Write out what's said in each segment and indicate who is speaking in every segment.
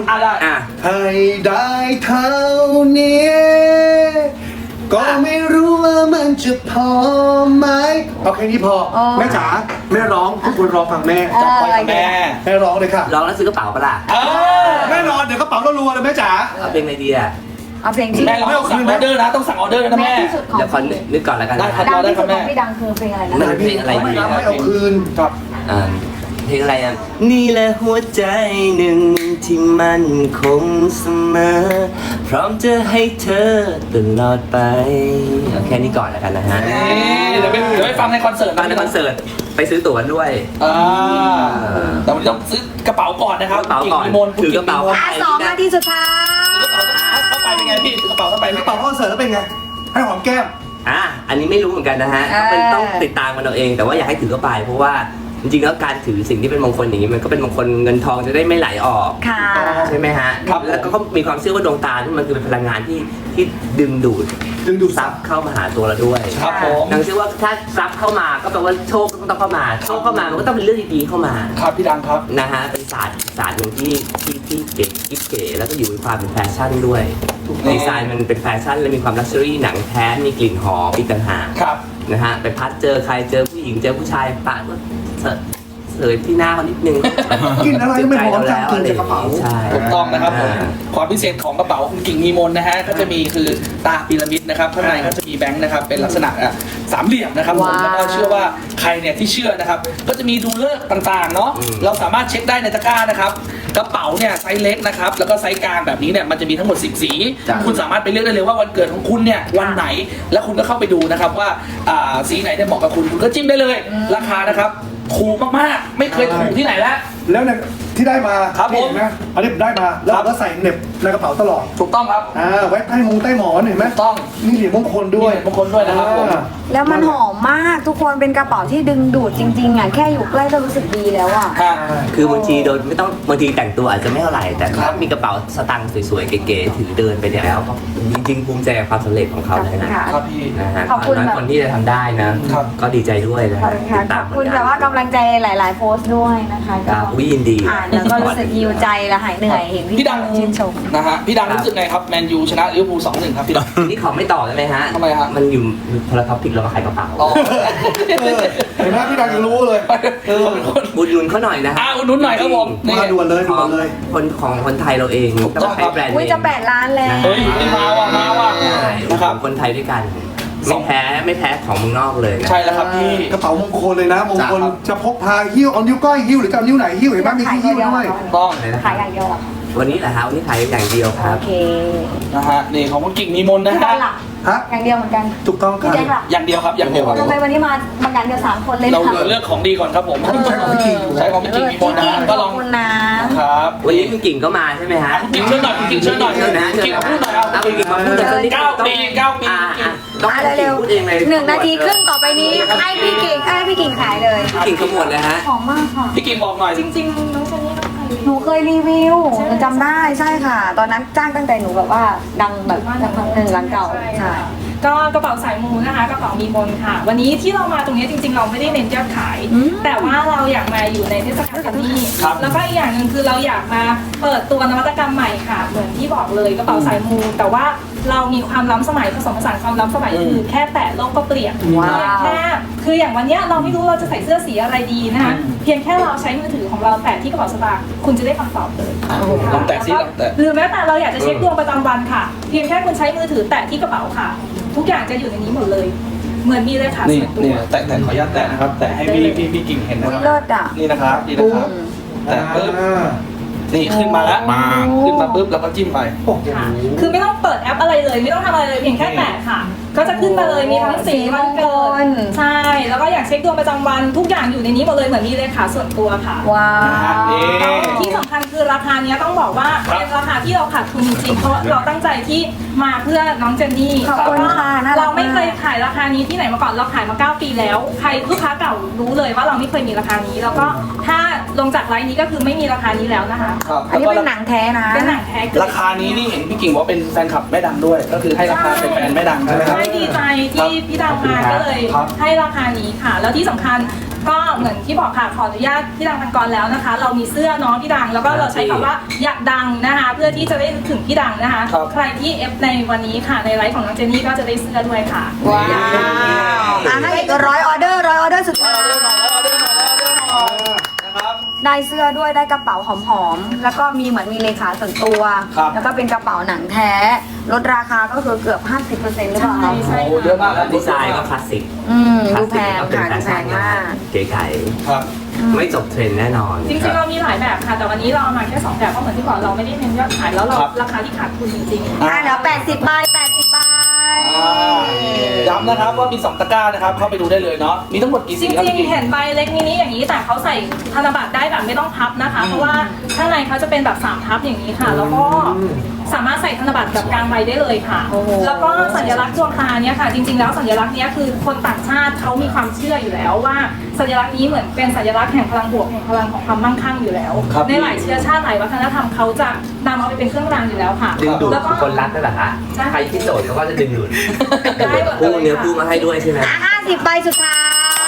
Speaker 1: ได้
Speaker 2: ให้ได้เท่านี้ก็ไม่รู้ว่ามันจะพอไหมเอาแค่นี้พอแม่จ๋าแม่ร้องทุกคนรอฟังแม่จับไปกับแม่ร้องเลยค่ะ
Speaker 3: ร้องแล้วซื้อกระเป๋าปะล่ะ
Speaker 2: แน่นอนเดี๋ยวกระเป๋ารัวๆเลยแม่จ๋า
Speaker 3: เอาเพลงอะไรดีอ่ะ
Speaker 4: เอาเพลงที่
Speaker 1: แม่เราไม่สั่งออเดอร์นะต้องสั่งออเดอร์นะแม่
Speaker 4: ที่สุดของ
Speaker 3: เดี๋ยวขอนึกก่อนแล้วกัน
Speaker 1: ได้ครับ
Speaker 4: ดัง
Speaker 1: ได้
Speaker 4: ที่
Speaker 1: ค
Speaker 4: สุ
Speaker 1: รับ
Speaker 4: ดของพี่ดังคือเพลงอะไรนะ
Speaker 3: มันเพลงอะไรดี
Speaker 2: ไม่เอาคืน
Speaker 1: ครับ
Speaker 3: เพลงอะไรอ่ะนี่แหละหัวใจหนึ่งที่มั่นคงเสมอพร้อมจะให้เธอตลอดไปเอาแค่นี้ก่อนแล้วกันนะฮะ
Speaker 1: เดี๋ยวไปฟังในคอนเสิร์ต
Speaker 3: ฟังในคอนเสิร์ตไปซื้อตั๋วด้วย
Speaker 1: แต่วันนี้ต้องซื้อกระเป๋าก่อนนะครับ
Speaker 3: กระเป๋าก่อนถือกระเป๋า
Speaker 4: 2 นาทีสุดท้าย
Speaker 1: เข้าไปเป็นไงพี่ถือกระเป๋าเข้าไป
Speaker 2: กระเป๋าคอนเสิร์ตแล้วเป็นไงให้หอมแก้ม
Speaker 3: อันนี้ไม่รู้เหมือนกันนะฮะต้องติดตามมันเอาเองแต่ว่าอยากให้ถือกระเป๋าเพราะว่าจริงๆแล้วการถือสิ่งที่เป็นมงคลอย่างนี้มันก็เป็นมงคลเงินทองจะได้ไม่ไหลออกใช่ไหมฮะแล้วก็มีความเชื่อว่าดวงตาที่มันคือเป็นพลังงานที่ดึงดูดทรัพย์เข้ามาหาตัวเราด้วย
Speaker 1: ครับผม
Speaker 3: ดังเชื่อว่าถ้าทรัพย์เข้ามาก็แปลว่าโชคต้องเข้ามาโชคเข้ามามันก็ต้องเป็นเรื่องดีๆเข้ามา
Speaker 1: ครับพี่ดังครับ
Speaker 3: นะฮะเป็นศาสตร์หนึ่งที่เก๋กิ๊บเก๋แล้วก็อยู่ในความเป็นแฟชั่นด้วยดีไซน์มันเป็นแฟชั่นและมีความลักชัวรี่หนังแท้มีกลิ่นหอมอีกต่างหากนะฮะไปพัดเจอใครเจอผู้หญิงเจอผู้ชายปะก็เสยที่หน้าเขานิดนึง
Speaker 2: กินอะไรไม่หอมจังกินจากกระเป๋า
Speaker 1: ถูกต้องนะครับผมความพิเศษของกระเป๋าคุณกิ่งมีมนนะฮะก็จะมีคือตาพีระมิดนะครับข้างในก็จะมีแบงค์นะครับเป็นลักษณะสามเหลี่ยมนะครับผมแล้วก็เชื่อว่าใครเนี่ยที่เชื่อนะครับก็จะมีดูเลิกต่างๆเนาะเราสามารถเช็คได้ในตะกร้านะครับกระเป๋าเนี่ยไซส์เล็กนะครับแล้วก็ไซส์กลางแบบนี้เนี่ยมันจะมีทั้งหมด10 สีคุณสามารถไปเลือกได้เลยว่าวันเกิดของคุณเนี่ยวันไหนแล้วคุณก็เข้าไปดูนะครับว่าสีไหนเนี่ยเหมาะกับคุณก็จิ้มได้เลยราคานะครับถูกมากๆไม่เคยถูกที่ไหนแล้ว
Speaker 2: เนี่ยที่ได้มา
Speaker 1: ครับผม
Speaker 2: นะอันนี้ได้มาแล้วก็ใส่เน็บในกระเป๋าตลอด
Speaker 1: ถูกต้องครับ
Speaker 2: ไว้ใต้หมอนเห็นไหม
Speaker 1: ต้อง
Speaker 2: นี่เหรียญมงคลด้วย
Speaker 1: นะครับผม
Speaker 4: แล้วมันหอมมากทุกคนเป็นกระเป๋าที่ดึงดูดจริงๆอ่ะแค่อยู่ใกล้ก็รู้สึกดีแล้วอ่ะ
Speaker 3: คือบางทีโดยไม่ต้องบางทีแต่งตัวอาจจะไม่เท่าไหร่แต่ถ้ามีกระเป๋าสตางค์สวยๆเก๋ๆถือเดินไปแล้วจริงๆภูมิใจกับความสำเร็จของเขาเลยนะครับ
Speaker 1: พี่
Speaker 3: นะฮะคนที่จะทำได้นะก็ดีใจด้วยนะ
Speaker 4: ขอบคุณแต่ว่ากำลังใจหลายๆโพสต์ด้วยนะคะก็
Speaker 3: ยินดี
Speaker 4: แล้วก็รู้สึกฮิวใจและหายเหนื่อยเห็นพี่
Speaker 1: ดัง
Speaker 4: ชื่นชม
Speaker 1: นะฮะพี่ดังรู้สึกไงครับแมนยูชนะลิเวอร์พูล 2-1 ครับพี่ดัง
Speaker 3: นี่ขอไม่ต่อได้ไหมฮะ
Speaker 1: ทำไมฮะ
Speaker 3: มันอยู่คนละท็อปิกเรามาขายกระเป๋า
Speaker 2: เห็นไหมพี่ดังยังรู้เลย
Speaker 3: อุดหนุนเขาหน่อยนะฮะ
Speaker 1: อุดหนุนหน่อยครับผม
Speaker 2: มาด่วนเลย
Speaker 3: ของคนไทยเราเอง
Speaker 1: ต้องใช้
Speaker 3: แบรนด์
Speaker 4: จะ8 ล้านแล้ว
Speaker 1: เฮ้ยมาว่ะ
Speaker 3: นะครับคนไทยด้วยกันไม่แพ้ของเมืองนอกเลย
Speaker 1: ใช่แล้วครับพี่
Speaker 2: กระเป๋ามงคลเลยนะมงคลจะพกพาหิ้วเอานิ้วก้อยหิ้วหรือจะเอานิ้วไหนหิ้วเห็นไหมมีหิ้วด้วย
Speaker 1: ต้อง
Speaker 4: ขายอย่างเดียวหรอ
Speaker 3: วันนี้แหละครับวันนี้ขายอย่างเดียวครับ
Speaker 4: โอเค
Speaker 1: นะฮะนี่ของคุณกิ่งมีมนนะฮะ
Speaker 4: อย่างเดียวเหมือนกัน
Speaker 2: ถูกต้องครับ
Speaker 1: อย่างเดียวครับอย่างเดียว
Speaker 4: ทำไมวันนี้มาบางงานเดียว3 คนเลย
Speaker 1: เราเลือกของดีก่อนครับผมใช้ของพี่กิ่งมีมนนะก็ลอง
Speaker 3: ครับวันนี้คุณกิ่งก็มาใช่ไหมฮะ
Speaker 1: คุณกิ่งเชิญหน่อยคุณกิ่งเชิญหน่อยกิ่งพูดหน่อยเอา
Speaker 3: คุณกิ่งมาพูดหน่อย
Speaker 1: 9 ปี
Speaker 3: ต้อง
Speaker 4: เร็ว1 นาทีครึ่งต่อไปนี้ให้พี่กิ่งขายเลย
Speaker 3: พี่กิ่งขมวดเลยฮะ
Speaker 4: หอมมากค่ะ
Speaker 1: พี่กิ่งบอกหน่อย
Speaker 5: จริงๆน้องเจนนี่
Speaker 4: หนูเคยรีวิวจำได้ใช่ค่ะตอนนั้นจ้างตั้งแต่หนูแบบว่าดังแบบร้านเก่าใช่
Speaker 5: ก็กระเป๋าสายมูนะคะกระเป๋ามีมนค่ะวันนี้ที่เรามาตรงนี้จริงๆเราไม่ได้เน้นยอดขายแต่ว่าเราอยากมาอยู่ในเทศกาลกันนี่แล้วก็อีกอย่างหนึ่งคือเราอยากมาเปิดตัวนวัตกรรมใหม่ค่ะเหมือนที่บอกเลยกระเป๋าสายมูแต่ว่าเรามีความล้ำสมัยผสมผสานความล้ำสมัยคือแค่แตะโลกก็เปลี่ยนแค่คืออย่างวันนี้เราไม่รู้เราจะใส่เสื้อสีอะไรดีนะคะเพียงแค่เราใช้มือถือของเราแตะที่กระเป๋าสตางค์คุณจะได้คำตอบเลย
Speaker 1: ลองแตะซิลองแตะ
Speaker 5: หรือแม้แต่เราอยากจะเช็คดวงประจำวันค่ะเพียงแค่คุณใช้มือถือแตะที่กระเป๋าค่ะทุกอย่างจะอยู่ในนี้หมดเลยเหมือนมีเลยค่ะ
Speaker 1: นี่แตะขออนุญาตแตะนะครับแตะให้พี่กิ่งเห็นนะครับนี่นะครับแตะปึ๊บนี่ขึ้นมาแล้วขึ้นมาปุ๊บแล้วก็จิ้มไป
Speaker 5: คือไม่ต้องเปิดแอปอะไรเลยไม่ต้องทำอะไรเลยเพียงแค่แตะค่ะก็จะขึ้นมาเลยมีทั้งสีวันเกิดใช่แล้วก็อยากเช็คดวงประจำวันทุกอย่างอยู่ในนี้หมดเลยเหมือนมีเลขาส่วนตัวค่ะ
Speaker 4: ว้าว
Speaker 5: ที่สำคัญคือราคานี้ต้องบอกว่าเป็นราคาที่เราขาดทุนจริงๆเพราะเราตั้งใจที่มาเพื่อน้องเจนนี่เราไม่เคยขายราคานี้ที่ไหนมาก่อนเราขายมา9 ปีแล้วใครลูกค้าเก่ารู้เลยว่าเราไม่เคยมีราคานี้แล้วก็ถ้าลงจากไลน์นี้ก็คือไม่มีราคานี้แล้วนะคะ
Speaker 4: อันนี้เป็นหนังแท้นะ
Speaker 5: เป็นหนังแท้
Speaker 1: ราคานี้นี่เห็นพี่กิ่งว่าเป็นแฟนคลับแม่ดังด้วยก็คือให้ราคาเป็นแฟนแม่ดังใช่ไหมครับ
Speaker 5: ดีใจที่พี่ดังมาก็เลยให้ราคานี้ค่ะ แล้วที่สำคัญก็เหมือนที่บอกค่ะขออนุญาตพี่ดังพันกรแล้วนะคะ เรามีเสื้อน้องพี่ดังแล้วก็เราใช้คำว่าอยากดังนะคะ เพื่อที่จะได้นึกถึงพี่ดังนะคะ ใครที่เอฟในวันนี้ค่ะในไลฟ์ของน้องเจนนี่ก็จะได้เสื้อด้วยค่ะ
Speaker 4: ว้าวให้อีก100 ออเดอร์สุดท้าย
Speaker 1: นะครับ
Speaker 4: ได้เสื้อด้วยได้กระเป๋าหอมๆแล้วก็มีเหมือนมีเลขาส่วนตัว
Speaker 1: ครับ
Speaker 4: แล้วก็เป็นกระเป๋าหนังแท้ลดราคาก็คือเกือบ 50%หรือเปล่าคะ
Speaker 5: ใช่
Speaker 1: โอ้เยอะมากครับ
Speaker 3: ดีไซน์ก็คลาสสิก
Speaker 4: ดูแพง
Speaker 3: ก็เป็น
Speaker 4: ค่ะ
Speaker 3: แฟ
Speaker 4: ดูแพ
Speaker 3: ชั่น
Speaker 4: งมาก
Speaker 3: เก๋ไก่
Speaker 1: ครับ
Speaker 3: ไม่จบเทรนด์แน่นอน
Speaker 5: จริงๆเรามีหลายแบบค่ะ แต่วันนี้เราเอามาแค่2แบบเพราะเหมือนที่บอกเราไม่ได้เน้นยอดขายแล้วเราราคาที่ขาดทุนจริงๆ
Speaker 4: เหลือ80 ใบ 80 ใบ
Speaker 1: ย้ำนะครับว่ามี2ตะกร้านะครับเข้าไปดูได้เลยเนาะมีทั้งหมดกี่
Speaker 5: จ
Speaker 1: สีครับ
Speaker 5: ริง
Speaker 1: พี่
Speaker 5: ๆ เห็นใบเล็กมินิอย่างนี้แต่เขาใส่ธนบัตรได้แบบไม่ต้องพับนะคะ เพราะว่าข้างในเขาจะเป็นแบบ3พับอย่างนี้ค่ะ แล้วก็สามารถใส่ธนบัตรแบบกลางใบได้เลยค่ะ
Speaker 4: โอ้โห
Speaker 5: แล้วก็สัญลักษณ์ดวงตาเนี่ยค่ะ จริงๆ แล้วสัญลักษณ์เนี้ยคือคนต่างชาติเขามีความเชื่ออยู่แล้วว่าสัญลักษณ์นี้เหมือนเป็นสัญลักษณ์แห่งพลังบวกแห่งพลังของความมั่งคั่งอยู่แล้ว ในหลายเชื้อชาติหลายวัฒนธรรมเขาจะนำเอาไปเป็นเครื่องรางอยู่แล้วค่ะ
Speaker 3: ดึงดูด
Speaker 5: แล้วก็
Speaker 3: คนรักนั่นแหละฮะ
Speaker 5: ใช่
Speaker 3: ใครที่โสดเขาก็จะดึงดูด
Speaker 5: ได้หมดเล
Speaker 3: คู่
Speaker 5: ย
Speaker 3: เนื้อ
Speaker 5: ค่ะ
Speaker 3: คู่มาให้ด้วยใช่ไหม
Speaker 4: 50 ใบสุดท้าย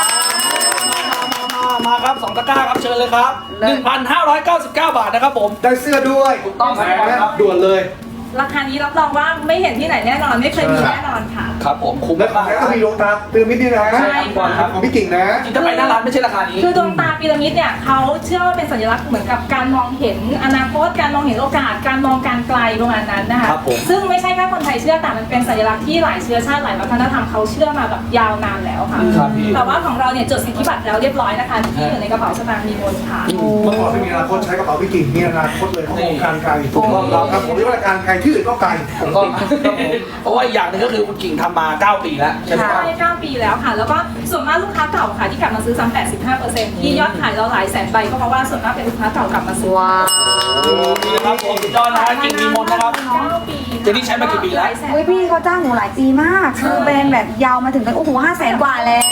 Speaker 1: มาครับ2ตะกร้าครับเชิญเลยครับ 1,599 บาทนะครับผม
Speaker 2: ได้เสื้อด้วย
Speaker 1: ถูกต้องครับ
Speaker 2: ด่วนเลย
Speaker 5: ราคานี้รับรองว่าไม่เห็นที่ไหนแน่นอนไม่เคยมีแน่นอนค่ะ
Speaker 1: ครับผมคุ้ม
Speaker 2: และของ
Speaker 1: มาก
Speaker 2: แท้ก็มีดวงตาพีระมิดนี่นะ
Speaker 5: ใช่ค่ะ
Speaker 2: ของพี่กิ่งนะ
Speaker 1: จริงๆถ้าไปหน้าร้านไม่ใช่ราคานี้
Speaker 5: คือดวงตาพีระมิดเนี่ยเขาเชื่อว่าเป็นสัญลักษณ์เหมือนกับการมองเห็นอนาคตการมองเห็นโอกาสการมองการไกลประมาณนั้นนะคะ
Speaker 1: ครับผม
Speaker 5: ซึ่งไม่ใช่แค่คนไทยเชื่อแต่มันเป็นสัญลักษณ์ที่หลายเชื้อชาติหลายวัฒนธรรมเขาเชื่อมาแบบยาวนานแล้วค่ะ
Speaker 1: ครับพี่
Speaker 5: แต่ว่าของเราเนี่ยจดสิทธิบัตรแล้วเรียบร้อยนะคะที่อยู่ในกระเป๋าสตางค์มีมนต์ค่ะ
Speaker 2: เมื่อก่อนไม่มีอนาคตใช้กระเป๋าพี่กิ่งมีอนาคตเลยของวงการไกล
Speaker 1: ถูกต้องครับ
Speaker 2: ครับผมเรียกว่าการไกลที่อื่นก็ไกล
Speaker 1: ถูกต้องครับผมเพราะว่าอีกอย่างหนึงก็คือคุณกิ่งทำมา 9 ปีแล้วใช่ไหมครับ
Speaker 5: ใช่9 ปีแล้วค่ะ แล้วก็ส่วนมากลูกค้าเก่าค่ะที่กลับมาซื้อซ้ำ85%ที่ยอดขายเราหลายแสนใบก็เพราะว่าส่วนมากเป็นลูกค้าเก่ากลับมาซื้อ
Speaker 4: ว้าว
Speaker 1: ดีนะครับผมสุดยอดนะฮะกิ่งมีมนต์นะครับ
Speaker 5: 9 ปี
Speaker 1: เจนนี่ใช้มากี่ปีแล้ว
Speaker 4: อุ้ยพี่เขาจ้างหนูหลายปีมาก คือแบรนด์แบบยาวมาถึงกันโอ้โห500,000 กว่าแล้ว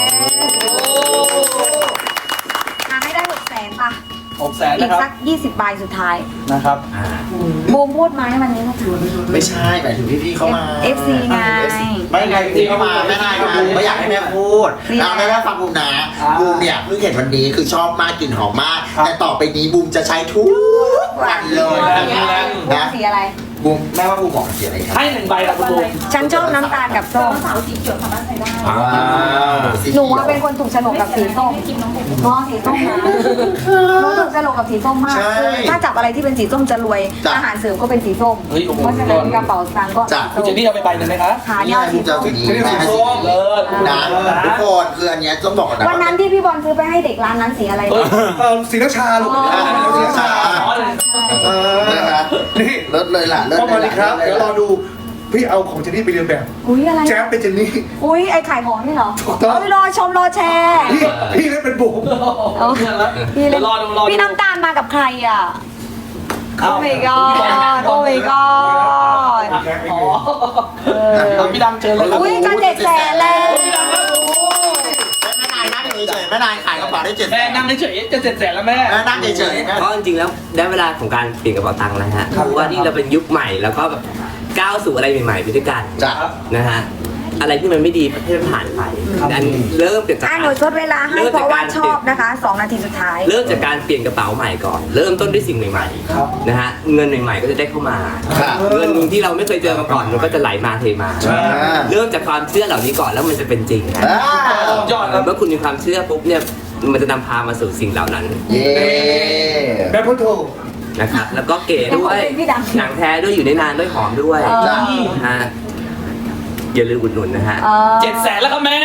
Speaker 4: ให้ได้600,000ป่ะ
Speaker 1: 600,000
Speaker 4: อี
Speaker 1: นะ
Speaker 4: ก
Speaker 1: ครับ
Speaker 4: สัก20 ใบสุดท้าย
Speaker 1: นะครับ
Speaker 4: บูมพูดไหมวันนี้นะคะ
Speaker 6: ไม่ใช่หมายถึงพี่ๆเข้ามา
Speaker 4: FC ไง
Speaker 6: ไม่ไงพี่เข้ามาแม่นายมาไม่อยากให้แม่พูด
Speaker 4: ดีนะ
Speaker 6: แม่ฟังบูมนะบูมเนี่ยเพิ่งเห็นวันนี้คือชอบมากกลิ่นหอมมาก แต่ต่อไปนี้บูมจะใช้ทุกวันเลย
Speaker 4: บูมสีอะไร
Speaker 6: บูมแม่ว่าบูมเหมาะกับสีอะไรครับ
Speaker 1: ให้1 ใบละคุณบูม
Speaker 4: ฉันชอบน้ำตาลกับส้ม
Speaker 5: สาวสีเขียวสามารถใช้ได้
Speaker 6: ว้าวสี
Speaker 4: หนู
Speaker 6: เขียว
Speaker 4: ว่าเป็นคนถูกโฉลกกับสีส้ม
Speaker 5: กินน้องบุ๋ม
Speaker 4: น้องสีส้มนะหนูถูกโฉลกกับสีส้มมากคือถ้าจับอะไรที่เป็นสีส้มจะรวย อาหารเสริมก็เป็นสีส้ม
Speaker 1: เฮ้ยโอ้โห
Speaker 4: เพราะฉะนั้นกระเป๋าสตางค์ก็
Speaker 1: คุณเจนนี่เอาไปใบหนึ่งไหมคะ
Speaker 4: ขา
Speaker 6: นี่
Speaker 4: เนี่ย
Speaker 6: บูมจะเอาสีนี้แม่ให้สี
Speaker 1: เลิศ
Speaker 6: นะทุกคนคืออันเนี้ยต้องบอกก่อนนะ
Speaker 4: วันนั้นที่พี่บอลซื้อไปให้เด็กร้านนั้นสีอะไร
Speaker 1: เฮ้ย
Speaker 2: สีน้ำชาลูก สีน้ำชา เออ
Speaker 6: นะคะ
Speaker 2: นี่
Speaker 6: เลิศเลยล่ะเลิศ
Speaker 2: พ่อ
Speaker 6: เล
Speaker 2: มาย ดี
Speaker 6: ล่ะ
Speaker 2: ครับ เดี๋ยวรอดู พี่เอาของเจนนี่ไปเรียนแบบ
Speaker 4: อุ้ยอะไร
Speaker 2: แจ๊บเป็นเจนนี่
Speaker 4: อุ้ยไอขายของนี่เหรอ
Speaker 2: ถูกต้อง
Speaker 4: เอ้ยรอชมรอแชร์
Speaker 2: พี่เล่นเป็นบุ๋ม
Speaker 4: เอาพี่
Speaker 1: เดี๋
Speaker 4: เล่
Speaker 1: ย
Speaker 4: น
Speaker 1: วรอดูรอดู
Speaker 4: พี่น้ำตาลมากับใครอ่ะ
Speaker 1: เอ้า
Speaker 4: โอ้ my god โอ้ my god
Speaker 1: อ๋อเอาพี่ดังเชิญเลยครับ
Speaker 4: อุ้ยจะ700,000แล้ว
Speaker 6: แม่นายนั่งเฉยๆแม่นายขายกระเป๋าได้7
Speaker 1: แม่นั่งเฉยๆจะ700,000แล้วแม่
Speaker 6: แม่นั่งเฉยๆ
Speaker 3: เพราะจริงๆแล้วได้เวลาของการเปลี่ยนกระเป๋าตังค์แล้วฮะเพราะว่านี่เราเป็นยุคใหม่แล้วก็แบบก้าวสู่อะไรใหม่ๆไปด้วยกัน
Speaker 6: จ้ะ
Speaker 3: นะฮะอะไรที่มันไม่ดีให้มันผ่านไปอันเริ่มจาก
Speaker 4: อ่ะ
Speaker 3: การ
Speaker 4: หนูชดเวลาให้เพราะว่าชอบนะคะ 2 นาทีสุดท้าย
Speaker 3: เริ่มจากการเปลี่ยนกระเป๋าใหม่ก่อน เริ่มต้นด้วยสิ่งใหม่ๆนะฮะเงินใหม่ๆก็จะได้เข้ามา
Speaker 6: ค่ะ
Speaker 3: เงินที่เราไม่เคยเจอมาก่อนมันก็จะไหลมาเทมา เริ่มจากความเชื่อเหล่านี้ก่อนแล้วมันจะเป็นจริงนะ
Speaker 1: ยอดครับ
Speaker 3: เมื่อคุณมีความเชื่อปุ๊บเนี่ยมันจะนำพามาสู่สิ่งเหล่านั้น
Speaker 6: เย้
Speaker 2: แม่พุทโธ
Speaker 3: นะครับแล้วก็เก๋ด้วย
Speaker 4: เป็นพี่ดัง
Speaker 3: หนังแท้ด้วยอยู่ได้นานด้วยหอมด้วย
Speaker 6: จ้ะ
Speaker 3: นะฮะอย่าลืมอุดหนุนนะฮะ
Speaker 1: 700,000แล้วครับแม่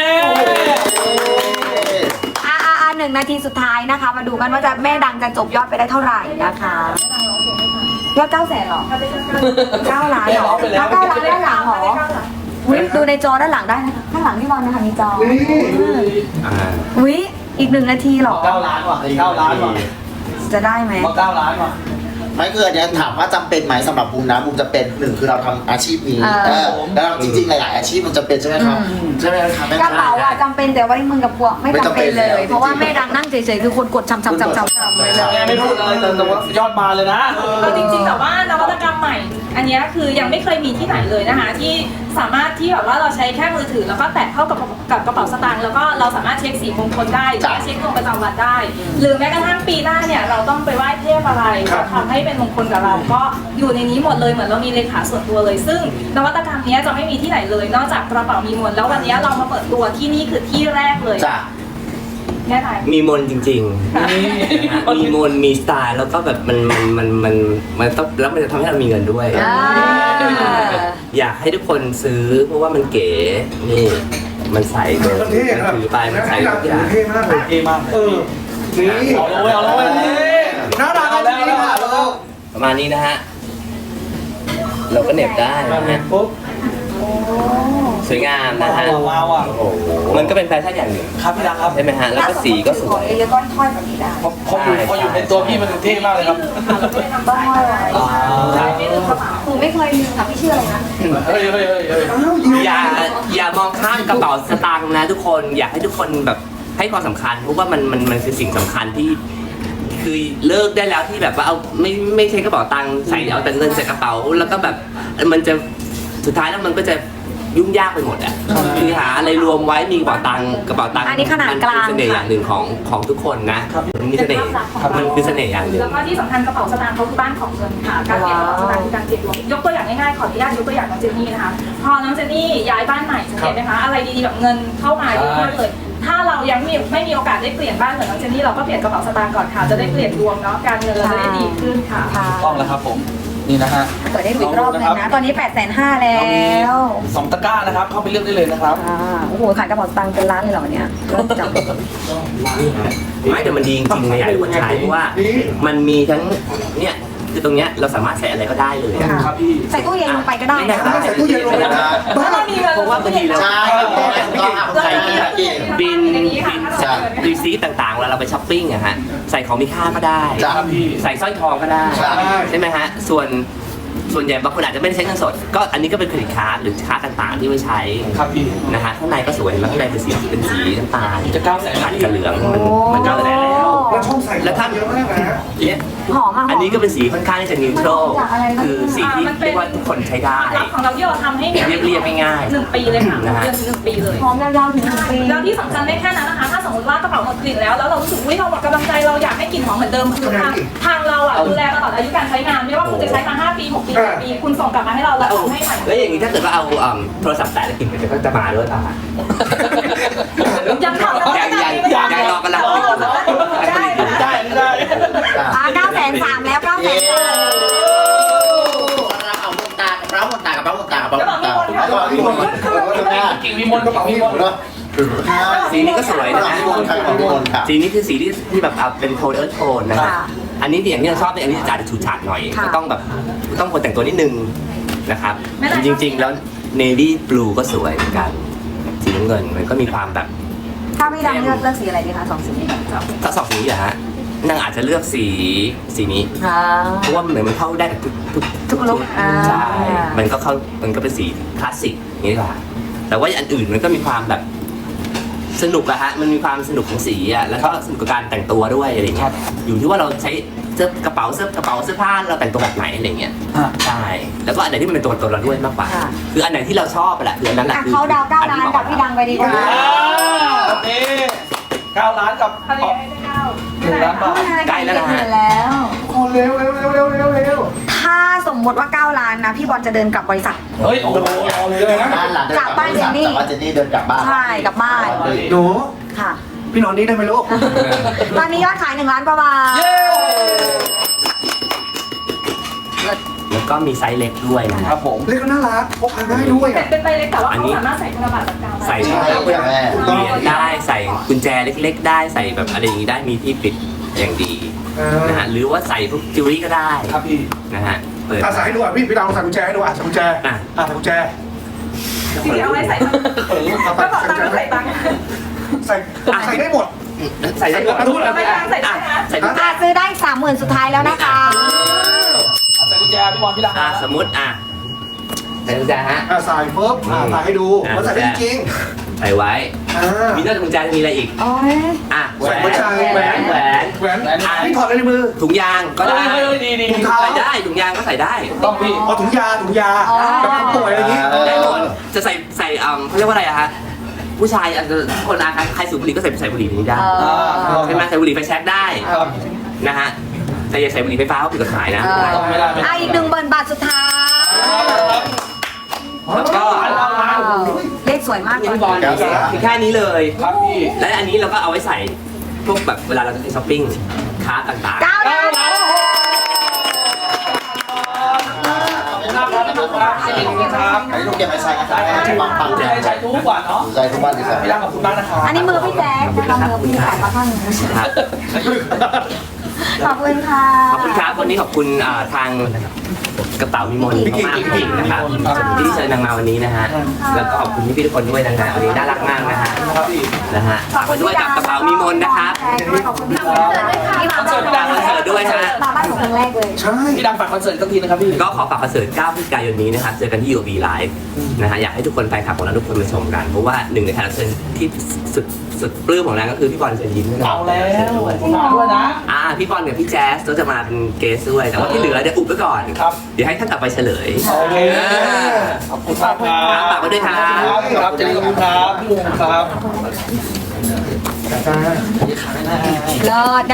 Speaker 4: 1 นาทีสุดท้ายนะคะ มาดูกันว่าจะแม่ดังจะจบยอดไปได้เท่าไหร่นะคะ ยอด900,000หรอ 9 ล้านหรอ
Speaker 1: ไปแล้ว
Speaker 4: 9 ล้านด้านหลังหรออุ๊ยดูในจอด้านหลังได้นะคะข้างหลังพี่บอลนะคะมีจอ
Speaker 2: นี่
Speaker 4: อุ๊ยอีก1 นาทีหรอ
Speaker 1: 9 ล้านว่ะ9 ล้านว่ะ
Speaker 4: จะได้ไหม
Speaker 1: มา9 ล้านว่ะ
Speaker 6: ไม่คืออันเนี้ยถามว่าจำเป็นไหมสำหรับบูมนะบูมจะเป็นหนึ่งคือเราทำอาชีพนี้
Speaker 4: อ่า
Speaker 6: แล้วเราจริงๆหลายๆอาชีพมันจะเป็นใช่ไหมครับใช่ไหมครับแม่
Speaker 4: กระเป๋าอะจำเป็นแต่ว่ามึงกับพวกไม่จำเป็นเลย เพราะว่าแม่ดังนั่งเฉยๆคือคนกดช้ำๆๆๆไปเลย
Speaker 1: แม่ไม่พูดอะไรแต่ว่ายอดมาเลยนะ
Speaker 5: เอาจริงๆแต่ว่านวัตกรรมใหม่อันเนี้ยคือยังไม่เคยมีที่ไหนเลยนะคะที่สามารถที่แบบว่าเราใช้แค่มือถือแล้วก็แตะเข้ากับกระเป๋าสตางค์แล้วก็เราสามารถเช็คสีมงคลได้หรือว่าเช็คดวงประจำวันได้ หรือแม้กระทั่งปีหน้าเนี่ยเราต้องไปไหว้เทพอะไรจะทำให้เป็นมงคลกับเราก็อยู่ในนี้หมดเลยเหมือนเรามีเลขาส่วนตัวเลย ซึ่งนวัตกรรมเนี้ยจะไม่มีที่ไหนเลย นอกจากกระเป๋ามีมนต์แล้ววันเนี้ยเรามาเปิดตัวที่นี่คือที่แรกเลย
Speaker 6: จ้ะ
Speaker 5: แน่ใจ
Speaker 3: มีมนต์จริงๆนะฮะมีมนต์มีสไตล์แล้วก็แบบมันต้องแล้วมันจะทำให้เรามีเงินด้วย อยากให้ทุกคนซื้อเพราะว่ามันเก๋นี่มันใส่เลย
Speaker 2: มันเท่ครับ
Speaker 3: ถือไปมันใส่ทุกอย่าง
Speaker 2: เท่มากเลย
Speaker 1: เท่มาก
Speaker 2: นี่
Speaker 1: เอาเลย
Speaker 2: น่ารักจริงๆค่ะลูก
Speaker 3: ประมาณนี้นะฮะเราก็เหน็บได้นะฮะ
Speaker 2: ปุ๊บ
Speaker 3: สวยงามนะฮะ
Speaker 1: ว้าวอ่ะ
Speaker 3: มันก็เป็นแฟชั่นอย่างหนึ่ง
Speaker 1: ครับพี่ดังครับ
Speaker 3: ใช่ไหมฮะแล้วก็สีก็สวย
Speaker 4: เยอะๆก้อนถ้อยแบบนี้ได้
Speaker 1: พออยู่ในตัวพี่มันเท่มากเลยครับ
Speaker 4: ต้องห้อยไว้
Speaker 1: อ่า
Speaker 4: หนูไม่เคยลืมค่ะพี่ชื่ออะไรนะ
Speaker 1: เฮ้ย
Speaker 3: อย่ามองข้ามกระเป๋าสตางค์นะทุกคนอยากให้ทุกคนแบบให้ความสำคัญเพราะว่ามันคือสิ่งสำคัญที่คือเลิกได้แล้วที่แบบว่าเอาไม่ใช้กระเป๋าตังค์ใส่เอาแต่เงินใส่กระเป๋าแล้วก็แบบมันจะสุดท้ายแล้วมันก็จะยุ่งยากไปหมดอ่ะคือหาอะไรรวมไว้มีกระเป๋าตังค์
Speaker 4: อันนี้ขนาดกลาง
Speaker 3: มันเป็นเสน่ห์อย่างหนึ่งของทุกคนนะมันมีเสน่ห์มันคือเสน่ห์อย่างหนึ่ง
Speaker 5: แล้วก็ที่สำคัญกระเป๋าสตางค์เขาคือบ้านของเงินค่ะ การเปลี่ยนกระเป๋าสตางค์คือการเปลี่ยนดวงยกตัวอย่างง่ายๆขออนุญาตยกตัวอย่างน้องเจนนี่นะคะ พอน้องเจนนี่ย้ายบ้านใหม่สังเกตไหมคะอะไรดีๆแบบเงินเข้ามาเยอะเลย ถ้าเรายังไม่มีโอกาสได้เปลี่ยนบ้านเหมือนน้องเจนนี่เราก็เปลี่ยนกระเป๋าสตางค์ก่อนค่ะจะได้เปลี่ยนดวงเนาะการเงินเราจะได้ดีขึ้นค่ะ
Speaker 1: ต้องแล้วครับผม นี่นะฮะ
Speaker 4: เปิดได้ดูอีกรอบนึงนะ ตอนนี้ 850,000แล้ว
Speaker 1: 2 ตะกร้านะครับ เข้าไปเลือกได้เลยนะครับ
Speaker 4: โอ้โหขายกระเป๋าสตางค์เป็นล้านเลยเหรอเนี่ยเริ่มจับ
Speaker 3: ไม่แต่มันดีจริงๆนะอยากให้ทุกคนใช้เพราะว่ามันมีทั้งเนี่ยคือตรงเนี้ยเราสามารถใส่อะไรก็ได้เลยอะ
Speaker 1: ครับพี่
Speaker 4: ใส่ตู้เย็นลงไปก็ได้
Speaker 3: ไม่ได้
Speaker 4: นะ
Speaker 2: ใส่ตู้เย็นลงไปนะบ้า
Speaker 5: ถ้าเรามีเงิน
Speaker 3: เพราะว่าบางทีเรา
Speaker 6: ใช่ต้องหาใครกิน
Speaker 3: บิน
Speaker 6: ใช่
Speaker 3: รีซีฟต่างๆเวลาเราไปช้อปปิ้งอะฮะใส่ของมีค่าก็ได้
Speaker 6: จ้ะ
Speaker 3: ใส่สร้อยทองก็ได้
Speaker 6: ใช่
Speaker 3: ใช่ไหมฮะส่วนใหญ่บางคนอาจจะไม่ได้ใช้เงินสด ก็อันนี้ก็เป็นเครดิตการ์ดหรือการ์ดต่างๆ ที่ไว้ใช้
Speaker 1: ครับพี่
Speaker 3: นะฮะข้างในก็สวยเห็นไหมข้างในเป็นสีน้ำตาล
Speaker 1: จะ900,000
Speaker 3: ขัดกับเหลืองมันก็แล้ว
Speaker 2: แล้วช่องใส่
Speaker 3: แล้วถ้า
Speaker 2: เยอะมากนะ
Speaker 3: เนี่ย
Speaker 4: หอมอ่ะ
Speaker 3: อันนี้ก็เป็นสีค่อนข้างที่จะนิวโตรคือสีที่เรียกว่าทุกคนใช้ได้
Speaker 5: รับของเราที่เราทำให้เนี่ย
Speaker 3: เรียบๆง่ายๆ
Speaker 5: 1 ปีเลยค่ะ
Speaker 3: นะฮะ
Speaker 5: เดือนถึง1 ปีเลย
Speaker 4: หอมยาวๆถึง1 ปี
Speaker 5: แล้วที่สำคัญไม่แค่นั้นนะคะ ถ้าสมมติว่ากระเป๋าหมดกลิ่นแล้วเรารู้สึกว่าเราหมดกำลังใจเราอยากให้กลิ่นหอมเหมือนเดิมคือทางเราอ่ะดูแลตลอดอายุการใช้งานไม่ว่าคุณจะใช้มา5 ปี 6 ปี 7 ปีคุณส่งกลับมาให้เราเราทำให้ใหม่
Speaker 3: แล้วอย่างนี้ถ้าเกิดว่าเอาโทรศัพท์แตะแล้วกลิ่นมันก็จะมาด้วยป่ะ
Speaker 5: ยังทำ
Speaker 3: ยังรอกำลังคิดอยู่
Speaker 1: ได้
Speaker 4: 930,000แล้ว
Speaker 6: เย้
Speaker 4: 930,000
Speaker 6: เราเอาหมดตากับเราหมดตากับเราหมดตากับเราหมดตาแล้วก็พี่มนต์ก็แม่
Speaker 1: กิ่งมีมนต์กระเป๋ามีมนต์
Speaker 6: แล้ว
Speaker 3: สีนี้ก็สวยนะฮะ
Speaker 6: พี่มนต์ค่ะพี่มนต์ค่ะ
Speaker 3: สีนี้คือสีที่แบบเอาเป็นโทนเอิร์ธโทนนะฮะอันนี้อย่างที่เราชอบเนี่ยอันนี้จะฉูดฉาดหน่อยก็ต้องแบบต้องคนแต่งตัวนิดนึงนะครับจริงๆแล้วเนวี่บลูก็สวยเหมือนกันสีน้ำเงินมันก็มีความแบบ
Speaker 4: ถ้าพี่ดังเลือกสีอะไรดีคะ2 สีนี้
Speaker 3: ถ้าสองสีอะฮะนางอาจจะเลือกสีนี้ เพราะว่าเหมือนมันเข้าได้กับทุกลุคใช่มันก็เป็นสีคลาสสิกอย่างนี้ดีกว่าแต่ว่าอันอื่นมันก็มีความแบบสนุกอะฮะมันมีความสนุกของสีอะแล้วก็สนุกกับการแต่งตัวด้วยอะไรเงี้ยอยู่ที่ว่าเราใช้กระเป๋าเสื้อผ้าเราแต่งตัวแบบไหนอะไรเงี้ยใช่แล้วก็อันไหนที่มันเป็นตัวเราด้วยมากกว่าคืออันไหนที่เราชอบแหละคืออันนั้นแหละคือ
Speaker 4: เขาดาว9 ล้านกับพี่ดังไปดีกว่า
Speaker 1: นี่9 ล้านกับ
Speaker 5: เขาเรียกให้ได้
Speaker 1: 1 ล้านบาท
Speaker 3: ใกล้แล้วนะฮะ
Speaker 4: แล้ว
Speaker 2: โอ้เร็วเร็วเร็วเร็วเร็วเร็ว
Speaker 4: ถ้าสมมติว่า9 ล้านนะพี่บอลจะเดินกลับบริษัท
Speaker 1: เฮ้ย โอ้โหเอาเลยนะ
Speaker 6: บ้านหลังเดินกลับบ้านเจนนี่เดินกลับบ้าน
Speaker 4: ใช่กลับบ้าน
Speaker 2: หนู
Speaker 4: ค่ะ
Speaker 2: พี่นอนนี่ได้ไหมลูก
Speaker 4: ตอนนี้ยอดขาย1 ล้านกว่าบาท
Speaker 3: แล้วก็มีไซส์เล็กด้วยนะ
Speaker 1: ค
Speaker 3: ค
Speaker 1: รั
Speaker 3: รั
Speaker 1: บบ ผม
Speaker 2: เล็กก็น่ารักพกพาได้ด้วย
Speaker 5: แต่
Speaker 2: อ่ะ
Speaker 5: เป็นใบเล็กแต่ว่าเขาสามารถใส่ธนบัตรแบบกาว
Speaker 3: ใส่
Speaker 6: ใช่
Speaker 3: เหรีย
Speaker 6: แม่
Speaker 3: ญได้ใส่กุญแจเล็ก ๆ ได้ใส่แบบอะไรอย่างนี้ได้มีที่ปิดอย่างดีนะฮะหรือว่าใส่พวกจิวเวลรี่ก็ได้
Speaker 1: ครับพี่
Speaker 3: นะฮะเปิด
Speaker 2: อาศัยให้ดูอ่ะพี่ดาวใส่กุญแจให้ดูอ่ะใส่กุญแจ
Speaker 3: อ่ะ
Speaker 2: ใส่กุญแจ
Speaker 5: จริงๆเอาไว้ใส่ก็บอกตังค์ใส่ตังค์
Speaker 2: ใส่ได้หมด
Speaker 3: ใส่ได้หมด
Speaker 2: ทุกอะไร
Speaker 5: ไม่ตังค์ใส่ได้นะ
Speaker 3: ใส่กุญแจ
Speaker 4: ซื้อได้ 30,000 สุดท้ายแล้วนะคะ
Speaker 1: เอาใส่กุญแจพี่บอลพี่ดัง
Speaker 3: สมมติใส่กุญแจฮะ
Speaker 2: ใส่ปุ๊บใส่ให้ดูมันใส่ได้จริง
Speaker 3: ใส่ไว้ มีนอกจากกุญแจจะมีอะไรอีก
Speaker 4: โอ้ย
Speaker 3: อ่ะแหวน
Speaker 2: ผู้ชายแหวน
Speaker 3: แหวน
Speaker 2: แหวนนี่ถอดอะไรในมือ
Speaker 3: ถุงยางก็ได้
Speaker 1: ดี
Speaker 2: ถุงเท้า
Speaker 3: ใส่ได้ถุงยางก็ใส่ได้
Speaker 1: ต้องพี่
Speaker 2: เอาถุงยาแบบคนป่วยอะไรอย่างนี้
Speaker 3: ได้หมดจะใส่เขาเรียกว่าอะไรอะฮะผู้ชายอาจจะคนใครสูบบุหรี่ก็ใส่บุหรี่นี้ได้ ใช่ไหมใส่บุหรี่ไฟแช็กได้
Speaker 1: ครับ
Speaker 3: นะฮะแต่อย่าใส่บุหรี่ไฟฟ้าเพราะผิดกฎหมายนะ
Speaker 1: ไม่ได้
Speaker 4: อีก10,000 บาทสุดท้าย
Speaker 3: แล้วก็
Speaker 4: เลขสวยมากเลย
Speaker 1: พี่บอล
Speaker 3: แค่นี้เลย
Speaker 1: ครับพี่
Speaker 3: และอันนี้เราก็เอาไว้ใส่พวกแบบเวลาเราจะไปช้อปปิ้งค้าต่าง
Speaker 4: 9 ล้าน
Speaker 1: ครับ
Speaker 6: อันนี้ลูกเก็บไว้ใช้กันได้ปังๆ
Speaker 1: ใช้
Speaker 6: เนี่ย
Speaker 1: ใช้ทุกวันเนาะ
Speaker 6: ใช้ทุกบ้านเลยครับ
Speaker 1: พี่ดังขอบคุณมากนะครับ
Speaker 4: อันนี้มือพี่แจ๊คนะคะมือพี่แจ๊คมาข้างหนึง
Speaker 3: ๆครับ
Speaker 4: ขอบคุณค่ะ
Speaker 3: ขอบคุณครับวันนี้ขอบคุณทางกระเป๋ามีมนต์มากๆจริงๆนะครับที่เชิญนางมาวันนี้นะฮะแล้วก็ขอบคุณพี่ๆทุกคนด้วยนะฮะวันนี้น่ารักมากนะฮะนะฮะฝากไว้ด้วยกับกระเป๋ามีมนต์นะครับ
Speaker 4: ขอบคุณพี่คอนเสิร์ตด้วยค่ะ
Speaker 3: คอนเสิร์ตด้วยฮะ
Speaker 4: มาบ้านหนูครั้งแรกเลย
Speaker 2: ใช่
Speaker 1: พี่ดังฝากคอนเสิร์ตสักทีนะครับพี่
Speaker 3: ก็ขอฝากคอนเสิร์ต 9 พฤศจิกายนนี้นะครับ เจอกันที่ UOB Live นะฮะ อยากให้ทุกคนแฟนคลับของเราทุกคนมาชมกัน เพราะว่าหนึ่งในแขกรับเชิญที่สุดปลื้มของเราก็คือพี่บอลเชิญยิ้มด้วย
Speaker 1: เอาแล้ว
Speaker 3: ด้วย
Speaker 1: มาด้วยนะ
Speaker 3: พี่บอลกับพี่แจ๊สก็จะมาเป็นเกสด้วย แต่ว่าที่เหลือเดี๋ยวอุบไว้ก่อน
Speaker 1: ครับ
Speaker 3: เดี๋ยวให้ท่านกลับไปเฉลย
Speaker 1: โอเคขอบคุณมากครับ
Speaker 3: ฝากไว้ด้วยครับ
Speaker 1: ครับเจริญขอบคุณครับพี่วงครับ
Speaker 4: เลิศ